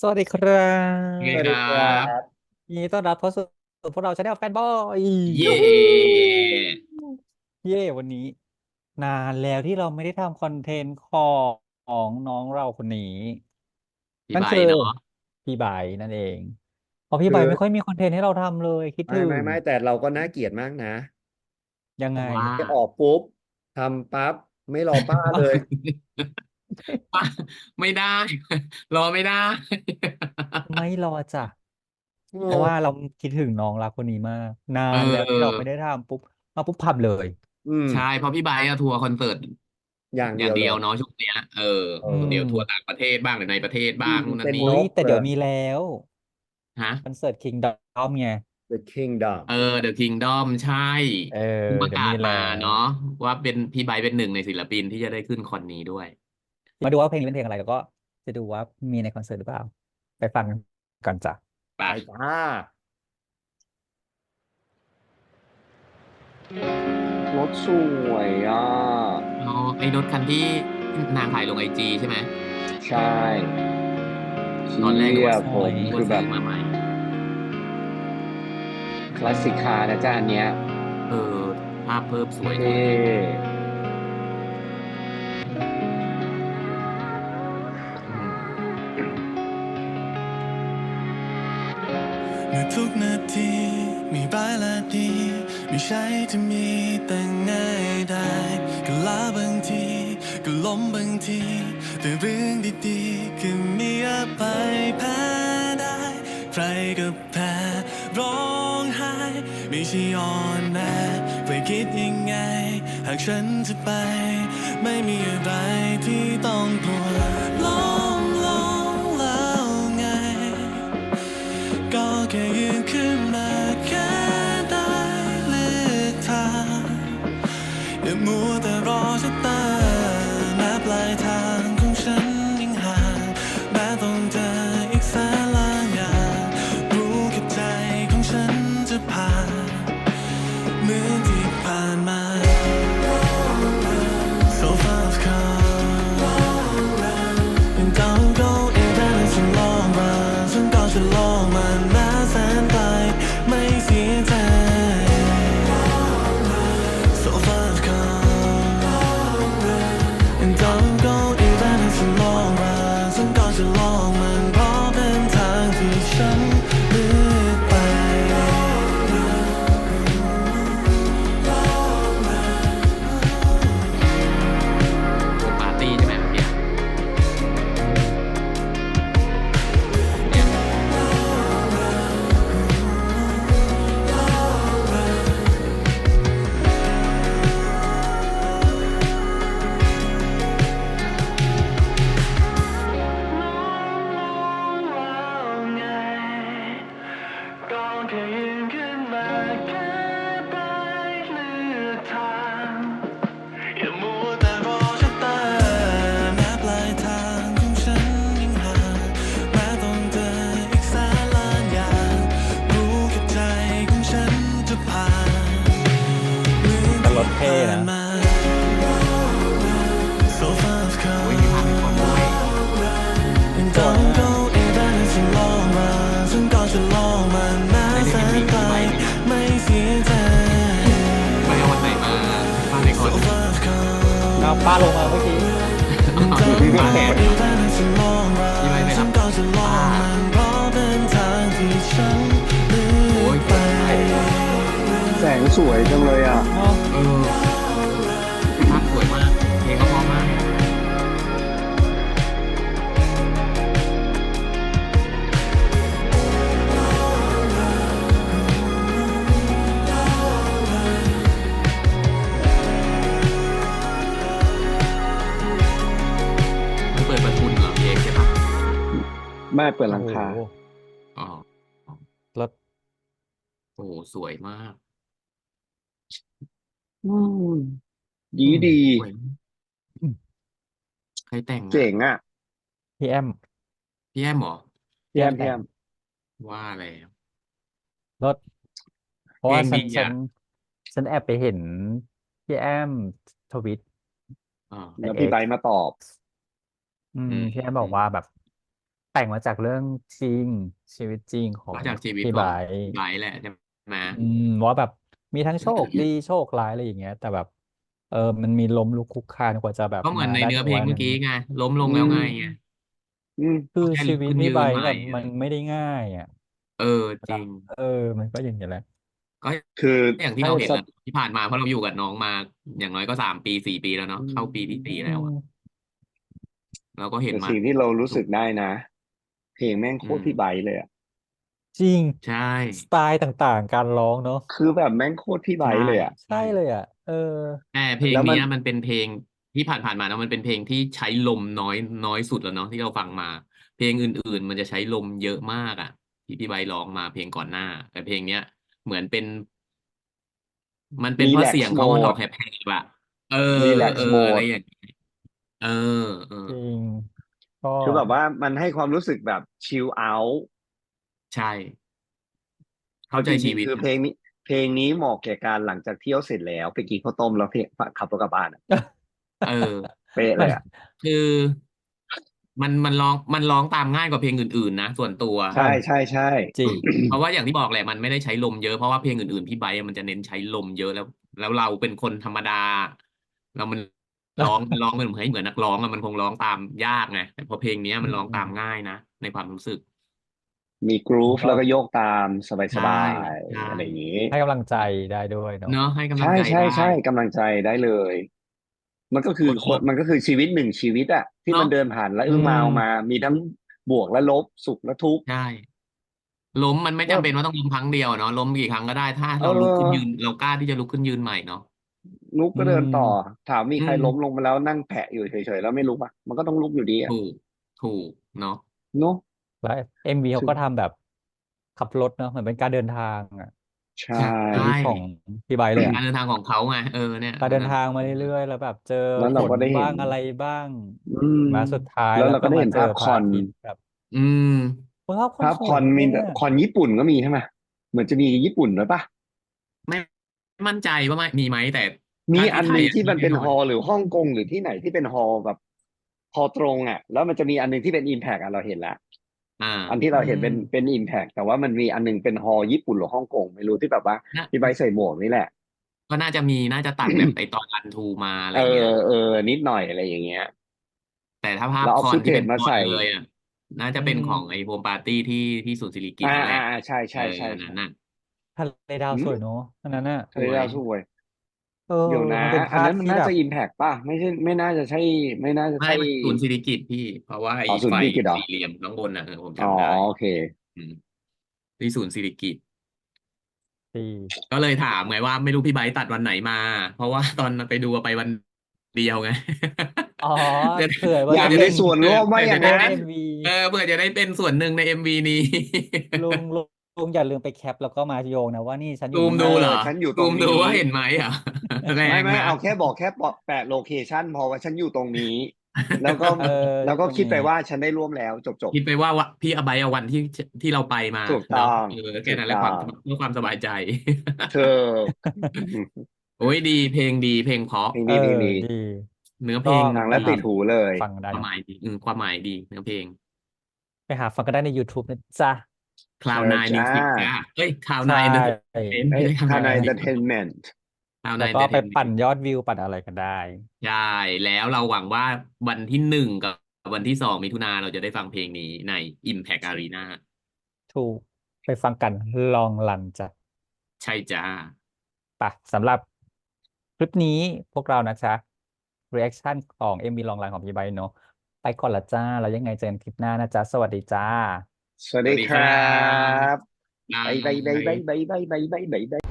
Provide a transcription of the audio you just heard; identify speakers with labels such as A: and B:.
A: สวัสดีครั
B: ไงครั
A: บ
B: สวัสดีครั
A: บ
B: บ
A: ยินดีต้อนรับเข้าสู่พวกเราชาแนลแฟนบอย
B: เย่
A: ยูฮูเย่วันนี้นานแล้วที่เราไม่ได้ทำคอนเทนต์ของน้องเราคนนี้
B: พี่
A: นั่นคือ
B: ใบเนาะ
A: พี่ไบร์ทนั่นเองเพราะพี่
B: คือ
A: ไบร์ทไม่ค่อยมีคอนเทนต์ให้เราทำเลยคิด
B: ไม่
A: ถึง
B: ไม่ไม่แต่เราก็น่าเกลียดมากนะ
A: ยังไง
B: เพราะว่าไปออกปุ๊บทำปั๊บไม่รอป้าเลย
A: ป้า
B: ไม่ได้รอไม่ได้
A: ไม่รอจ้ะ
B: เ
A: เพราะว่า
B: ออ
A: เราคิดถึงน้องรักคนนี้มากนา
B: เ
A: นแล้วที่เรา
B: ออ
A: ไม่ได้ทำปุ๊บมาปุ๊บพับเลย
B: อืม
A: อืม
B: ใช่เพราะพี่ใบร์ทอะทัวร์คอนเสิร์ต
A: อื
B: อ
A: ม
B: ย่างเดียว
A: อย่างเดียว
B: เนาะช่วงเนี้ย
A: เอ
B: เดี๋ยวทัวร์
A: อ
B: ต่างประเทศบ้างหรือในประเทศบ้า
A: อื
B: ง
A: มเป็น
B: นู่นนั่นนี่
A: เฮ้ยแต่เดี๋ยว
B: เลย
A: มีแล้ว
B: ฮะ
A: คอนเสิร์ต Kingdom ไง
B: The Kingdom The Kingdom ใช่
A: เออ
B: เพิ่งประ
A: เดี๋ยวมีแล้
B: กาศมา
A: ว
B: เนาะว่าเป็นพี่ไบร์ทเป็นหนึ่งในศิลปินที่จะได้ขึ้นคอนนี้ด้วย
A: มาดูว่าเพลงนี้เป็นเพลงอะไรแล้วก็จะดูว่ามีในคอนเสิร์ตหรือเปล่าไปฟังกันจ้ะ
B: ไป
A: ไปจ้า
C: รถสวยอ่ะ
B: อ๋อไอ้รถคันที่นางถ่ายลงไอจีใช่ไหม
C: ใช่เชี
B: ตอนแรกนึก
C: ย
B: ว่า
C: ผม
B: นึกว่า
C: คือแบบ
B: ซื้อมาใหม่
C: คลาสสิกคาร์นะจ๊ะอันเนี้ย
B: เออภาพเพิ่มสวย
C: เท
B: สวย่อืม
D: เมื่อทุกนาทีมีร้ายและดีไม่ใช่จะมีแต่ง่ายได้ก็ลาบางทีก็ล้มบางทีแต่เรื่องดีๆก็มีอภัยแพ้ได้ใครก็แพ้ร้องไห้ไม่ใช่อ่อนแอไปคิดยังไงหากฉันจะไปไม่มีอะไรที่ต้องกลัวลองแล้วไง ก็แค่ยืนขึ้นมาแค่ได้เลือกทางอย่ามัวแต่รอชะตาแม้ปลายทางของฉันยังห่างแม้ต้องเจออีกแสนล้านอย่างรู้แค่ใจของฉันจะผ่านเหมือนที่ผ่านมา So far I've come and don't go even it's a long run ฉันก็จะลองมันแม้แสนไกลไม่เสียใจ So far I've come and don't go even it's a long run ฉันก็จะลองมันเพราะเป็นทางที่ฉันเลือกไป
B: วงปาร์ตี้ใช่ไหมเมื่อกี้เนี่ย
D: ก็แค่ยืนขึ้นมาแค่ปลายเลือกทางอย่ามัวแต่รอชะตาแม้ปลายทางของฉันยังห่างแม้ต้องเจออีกแสนล้านอย่างรู้แค่ใจของฉันจะผ่านเหมือน
A: แต่ร
D: ที่
A: ถเท่
D: ผ่าน
A: นะ
D: มา So far I've
B: โอ้ยมีภาพให้คนด้วย
D: come and
A: สวย
D: don't
A: มาก
D: go even it's a long run ฉันก็จะลองมันแม้
B: ได้
D: แส
B: เล่นเอ็มวี
D: นไกล
B: พี่ไบร์ทไหมเนี่ย
D: ไม่เสียใจ
B: ไปเอาวันไหนมาภาพในคอ
D: So
B: น
D: far I've come
A: เอาป้าลงมาเมื่อกี้
D: and don't
B: มา
D: go
B: แทนเหรอ
D: even it's a long
B: พี่ไบร์
D: run
B: ทไปรับ
D: ฉันก็จะลอ
B: ป้า
D: งมันเพราะเป็นทางที่ฉันเลื
B: โอ้
D: อกไป
B: ยสวยมาก
C: แสงสวยจังเลยอ่ะ
A: เนาะ
B: เออภาพสวยมากเพลงก็เพราะมากมันเปิดประทุนเหรอเพลงใช่ปะ
C: แม่เปิด
A: โอ้โห
C: หลังคา
B: อ๋อ
A: รถ
B: โอ้โหสวยมาก
C: อืมดี
A: อืม
C: ดี
B: สวย
A: อืม
B: ใครแต่งอ่ะ
C: เจ๋งอ่ะ
A: พี่แอม
B: พี่แอมเหรอ
A: พี่แอมแต่ง
C: พี่แอม
B: ว่าแล้ว
A: รถเพ
B: เพล
A: ราะว่า
B: งดีอ่ะ
A: ฉันแอบไปเห็นพี่แอมทวิต
B: อ๋อ
A: ใน
C: แล้วพี่ไบ
A: X
C: ร์ทมาตอบ
A: อื
B: อืม
A: มพี่แอมบ
B: อืม
A: อกว่าแบบแต่งมาจากเรื่องจริงชีวิตจริงของ
B: ก็จากชีวิต
A: พี่ไบ
B: ของ
A: ร์ท
B: ไบร์ทแหละใช่ไหม
A: ว่าแบบมีทั้งโชคดีโชคร้ายอะไรอย่างเงี้ยแต่แบบมันมีล้มลุกคลุกคลานกว่าจะแบบ
B: ก็เหมือ
A: มาได้
B: นในเนื้อเพล
A: ถึงวันหนึ่ง
B: งเมื่อกี้ไงล้มลง
C: อื
B: แล้วไงไง
C: มอืม
A: คือ
B: เขาแค่
A: ชีวิต
B: ลุกขึ้น
A: พี่ไบร์ท
B: ยืนใหม่
A: แบบมันไม่ได้ง่ายอ่ะ
B: เออจริง
A: มันก็อย่างเงี้ยแหละ
B: ก็
C: คือ
B: อย่างที่
A: ใช่
B: เราเห็น
A: จะ
B: แหละที่ผ่านมาเพราะเราอยู่กับน้องมาอย่างน้อยก็3 ปี 4 ปีแล้วเนาะ
C: อื
B: เข้าปีที่ 4
C: ม
B: แล้วอะเราก็เห็น
C: แต่
B: มา
C: สิ่งที่เรารู้
B: ทุก
C: สึกได้นะเพลงแม่ง
B: อื
C: โคตรพี่ไบ
B: ม
C: ร์ทเลยอ่ะ
A: จริง
B: ใช่
A: สไตล์ต่างๆการร้องเนาะ
C: คือแบบแม่งโคตรพี่ไบ
B: ใช่
C: ร์ทเลยอ่ะ
A: ใช่
B: ใช่
A: เลยอ่ะ
B: แต่เพลง
C: แล้วมัน
B: เนี้ยมันเป็นเพลงที่ผ่านมาแล้วมันเป็นเพลงที่ใช้ลมน้อยสุดแล้วเนาะที่เราฟังมาเพลงอื่นๆมันจะใช้ลมเยอะมากอ่ะที่พี่ใบร์ทร้องมาเพลงก่อนหน้าแต่เพลงเนี้ยเหมือนเป็น มันเป็น
C: รีแลก
B: เพราะเสียง
C: ซ์โหมด
B: เขามันออกแหบๆอะเออ
C: รีแลก
B: เออ
C: ซ์โหมด
B: อะไรอย่างเงี้ยเออเออ
A: จริงก็
C: คือแบบว่ามันให้ความรู้สึกแบบชิลเอาท์
B: ใช่เข้า
C: เอาจริง
B: ใจชีวิต
C: ๆคือเพลงนี้เหมาะแก่การหลังจากเที่ยวเสร็จแล้วไปกินข้าวต้มแล้วเพลงขับรถกลับบ้านอะ
B: เออ
C: เป๊ะ
A: มัน
C: เลยอ่ะ
B: คือมันร้องตามง่ายกว่าเพลงอื่นๆนะส่วนตัว
C: ใช่ใช่ใช่
A: จริง
B: เพราะว่าอย่างที่บอกแหละมันไม่ได้ใช้ลมเยอะเพราะว่าเพลงอื่นๆพี่ไบร์ทอะมันจะเน้นใช้ลมเยอะแล้วเราเป็นคนธรรมดาเรามันร้องเหมือนเหมือนนักร้องอะมันคงร้องตามยากไงแต่พอเพลงเนี้ย
A: อื
B: มันร้องตาม
A: ม
B: ง่ายนะในความรู้สึก
C: มีกรูฟ
A: ก็
C: แล้วก็โยกตามส
B: ใช่
C: บาย
B: ใช่
C: ๆอะไรอย่างนี้
A: ให้กำลังใจได้ด้วยเนาะ
B: เนอะให้กำลั
C: ใช่
B: งใจได้
C: ใช่ใช่กำลังใจได้เลยมันก็คือ
B: คนลบ
C: มันก็คือชีวิตหนึ่งชีวิตอะที่มัน
B: เนาะ
C: เดินผ่านและ
A: อื
C: อึ้งมา
A: ม
C: เอามามีทั้งบวกและลบสุขและทุกข์
B: ใช่ล้มมันไม่
C: ก็
B: จำเป็นว่าต้องล้มครั้งเดียวเนาะล้มกี่ครั้งก็ได้ถ้า
C: เอ
B: เราลุกขึ้นยืน
C: อ
B: เรากล้าที่จะลุกขึ้นยืนใหม่เนาะ
C: ลุก
A: อื
C: ก็เดินต่อ
A: ม
C: ถามมี
B: อืม
C: ใครล้มลงมาแล้วนั่งแผะอยู่เฉยๆแล้วไม่ลุกอะมันก็ต้องลุกอยู่ดีอะ
B: ถูกถูกเนาะ
C: เนาะ
A: แล้วMVเขา
C: ถึง
A: ก็ทำแบบขับรถเนาะเหมือนเป็นการเดินทางอ่ะ
C: ใช
B: ใช่
A: ชีวิตของ
C: ่
A: พี่ไบร์ทเลยอ่ะ
B: การเดินทางของเขาไงเนี่ย
A: การเดินทางมาเรื่อยๆแล้วแบบเจอ
C: แล้ว
A: ฝ
C: เราก็
A: น
C: ได้เห็น
A: บ้างอะไรบ้าง
C: อืม
A: มาสุดท้าย
C: แล้ว
A: แล้ว
C: เราก็ได้เห็น
A: ก็มาเจอ
C: ภาพคอน
A: พระอาทิตย์แบบ
B: อืม
A: ภาพคอน
C: ภาพคอน
A: สวยนะเนี่ย
C: มีคอนญี่ปุ่นก็มีใช่ไหมเหมือนจะมีญี่ปุ่นด้วยปะ
B: ไม่มั่นใจว่าไม่มีไหมแต่
C: มี
B: ถ้าที่ไทยอ่ะ
C: อันหนึ่งที่
B: มีแน่นอน
C: มันเป็นฮอลล์หรือฮ่องกงหรือที่ไหนที่เป็นฮอลล์แบบฮอลล์ตรงอ่ะแล้วมันจะมีอันหนึงที่เป็นอิมแพกอ่ะเราเห็นละ
B: อ่า
C: อันที่
A: อื
C: เราเห็นเป็น
A: ม
C: อิมแพกแต่ว่ามันมีอันหนึงเป็นฮอลล์ญี่ปุ่นหรือฮ่องกงไม่รู้ที่แบบว่า
B: น่า
C: พี่ใบร์ทใส่หมวกนี่แหละ
B: ก็น่าจะตัดแบบไอตอนรันทูมาอะไร
C: เออ
B: เงี้ย
C: เออนิดหน่อยอะไรอย่างเงี้ย
B: แต่ถ้าภาพ
C: แล้วเอาฟุตเท
B: คอนที่เป็นคอน
C: จมาใส่
B: เลยอ่ะน่า
A: อื
B: จะเป็นของไอ้
A: ม
B: โฮมปาร์ตี้ที่ศูนย์สิริกิติ์นั่นแหละ
C: ใช่
B: เออ
C: ใช่ใช่ใช่
B: อันนั้นน่ะ
A: ทะเลดาว
C: อืม
A: สวยเนอะอันนั้นน่ะ
C: ทะเล
B: สวย
C: ดาวสวย
A: เออ
C: เดี๋ยวนะ
A: มันเป็นภา
C: อันนั้นมัน
A: พที่แบบ
C: น่าจะอิมแพกป่ะไม่ใช่ไม่น่าจะใช่ไม่น่าจะใช่
B: ไม่ศูนย์สิริกิติ์พี่เพราะว่าไอ้
C: อ๋อศู
B: ไฟ
C: นย์กิจเหรอ
B: สี่เหลี่ยมข้างบนน่ะผม
C: อ๋อ
B: จำได้
C: โอเค
B: อืมที่ศูนย์สิริกิติ์
A: ดี
B: ก็เลยถามไงว่าไม่รู้พี่ไบร์ทตัดวันไหนมาเพราะว่าตอนไปดูไปวันเดียวไง
A: อ๋อ
B: เพื่อ
A: เผื่อ
C: อยาก
A: ว่าจะเป็น
C: มีส่วนร่วมว่า
A: จะได้เป็น
C: อย่างนั้น
A: เอ็มวี
B: เพื่อจะได้เป็นส่วนหนึ่งในเอ็มวีนี้
A: ลุงอย่าลืมไปแคปแล้วก็มาโยงนะว่านี่ฉันอ
B: ซู
A: ยู่นี่นะ
B: มดูเหรอ
C: ฉันอยู่ต
B: ซูมดู
C: รงนี้
B: ว่าเห็นไหมอ่ะแร
C: ไม่ไม่
B: งนะ
C: เอาแค่บอกแค่แปะโลเคชันพอว่าฉันอยู่ตรงนี้แล้วก็
A: เออ
C: แล้วก็
A: ตรงนี้
C: คิดไปว่าฉันได้ร่วมแล้วจบ
B: คิดไปว่าพี่อบายเอาวันที่เราไปมา
C: ถูกต้
B: เนาะ
C: อง
B: แค่
C: ถูก
B: นั้นแหละ
C: ต้อง
B: เพื่อความสบายใจ
C: เธอ
B: โอ้ยดีเพลงดีเพลงเพราะ
C: เพลง
A: เออ
C: ดีเพลงดี
A: ดี
B: เนื้อเพ
A: ก็
B: ลง
A: ไปหา
C: ฟังแล้วติดหูเลย
A: ฟังได้เนาะ
B: ความหมายดีความหมายดีเนื้อเพลง
A: ไปหาฟังกันได้ใน YouTube นะจ๊ะ
B: คลาว
C: เชิ
B: นายมิว
C: ญจ้า
B: สิกจ้าเอ้ยคลาว
A: ใช
B: นายเอนเตอร์เท่นไม่
C: เฮ้ย
B: ใช่คลาว
C: คานา
B: นายมิวสิก
C: Entertainment
B: คลาว
A: แล้ว
B: นายเอนเตอร์เท
A: ก็ไปปั่น
B: นเมนต์
A: ยอดวิวปั่นอะไรกันได้
B: ใช่แล้วเราหวังว่าวันที่1กับวันที่2 มิถุนาเราจะได้ฟังเพลงนี้ใน Impact Arena
A: ถูกไปฟังกันลองลันจ้ะ
B: ใช่จ้า
A: ไปสำหรับคลิปนี้พวกเรานะจ๊ะ reaction ของ MV ลองลันของพี่ไบร์ทเนอะไปก่อนละจ้าแล้วยังไงเจอกันคลิปหน้านะจ๊ะสวัสดีจ้า
C: สวัสดีคร
B: สวัสดีครั
C: ั
B: บ
C: บ
B: บ๊า
C: บายบายบายบาย
B: ย
C: บายบายบายบายบาย